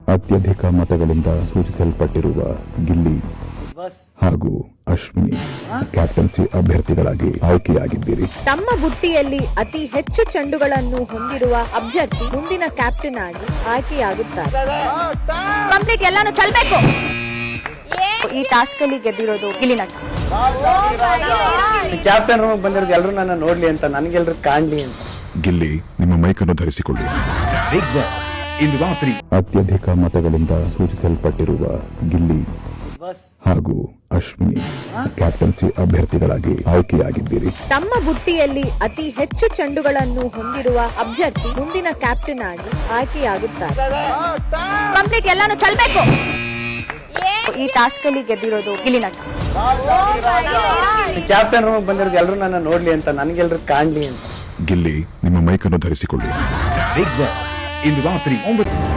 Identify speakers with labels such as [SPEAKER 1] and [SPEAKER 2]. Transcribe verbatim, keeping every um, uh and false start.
[SPEAKER 1] ಅತ್ಯಧಿಕ ಮತಗಳಿಂದ ಸೂಚಿಸಲ್ಪಟ್ಟಿರುವ ಗಿಲ್ಲಿ ಹಾಗೂ ಅಶ್ವಿನಿ ಕ್ಯಾಪ್ಟನ್ಸಿ ಅಭ್ಯರ್ಥಿಗಳಾಗಿ ಆಯ್ಕೆಯಾಗಿದ್ದೀರಿ.
[SPEAKER 2] ತಮ್ಮ ಬುಟ್ಟಿಯಲ್ಲಿ ಅತಿ ಹೆಚ್ಚು ಚೆಂಡುಗಳನ್ನು ಹೊಂದಿರುವ ಅಭ್ಯರ್ಥಿ ಮುಂದಿನ ಕ್ಯಾಪ್ಟನ್ ಆಗಿ ಆಯ್ಕೆಯಾಗುತ್ತಾರೆ. ಕಂಪ್ಲೀಟ್ ಎಲ್ಲಾನು ಚಲ್ಬೇಕು. ಈ ಟಾಸ್ಕ್ ಅಲ್ಲಿ ಗೆದ್ದಿರೋದು ಗಿಲ್ಲಿ ನಟ.
[SPEAKER 3] ಕ್ಯಾಪ್ಟನ್ ರೂಮ್ ಬಂದಿರೋದು ಎಲ್ಲರೂ ನನ್ನ ನೋಡ್ಲಿ ಅಂತ, ನನಗೆಲ್ಲರೂ ಕಾಣ್ಲಿ ಅಂತ.
[SPEAKER 1] ಗಿಲ್ಲಿ, ನಿಮ್ಮ ಮೈಕನ್ನು ಧರಿಸಿಕೊಳ್ಳಿ.
[SPEAKER 4] ಬಿಗ್ ಬಾಸ್ ಇಂದು ರಾತ್ರಿ.
[SPEAKER 1] ಅತ್ಯಧಿಕ ಮತಗಳಿಂದ ಸೂಚಿಸಲ್ಪಟ್ಟಿರುವ ಗಿಲ್ಲಿ ಹಾಗೂ ಅಶ್ವಿನಿ ಕ್ಯಾಪ್ಟನ್ಸಿ ಅಭ್ಯರ್ಥಿಗಳಾಗಿ ಆಯ್ಕೆಯಾಗಿದ್ದೀರಿ.
[SPEAKER 2] ತಮ್ಮ ಬುಟ್ಟಿಯಲ್ಲಿ ಅತಿ ಹೆಚ್ಚು ಚೆಂಡುಗಳನ್ನು ಹೊಂದಿರುವ ಅಭ್ಯರ್ಥಿ ಮುಂದಿನ ಕ್ಯಾಪ್ಟನ್ ಆಗಿ ಆಯ್ಕೆಯಾಗುತ್ತಾರೆ. ಕಂಪ್ಲೀಟ್ ಎಲ್ಲಾನು ಚಲ್ಬೇಕು. ಈ ಟಾಸ್ಕ್ ಅಲ್ಲಿ ಗೆದ್ದಿರೋದು ಗಿಲ್ಲಿ ನಟ.
[SPEAKER 3] ಕ್ಯಾಪ್ಟನ್ ರೂಮ್ ಬಂದಿರೋದು ಎಲ್ಲರೂ ನನ್ನ ನೋಡ್ಲಿ ಅಂತ, ನನಗೆಲ್ಲರೂ ಕಾಣ್ಲಿ ಅಂತ.
[SPEAKER 1] ಗಿಲ್ಲಿ, ನಿಮ್ಮ ಮೈಕನ್ನು ಧರಿಸಿಕೊಳ್ಳಿ.
[SPEAKER 4] ಬಿಗ್ ಬಾಸ್ ಇಂದು ರಾತ್ರಿ ಒಂಬತ್ತು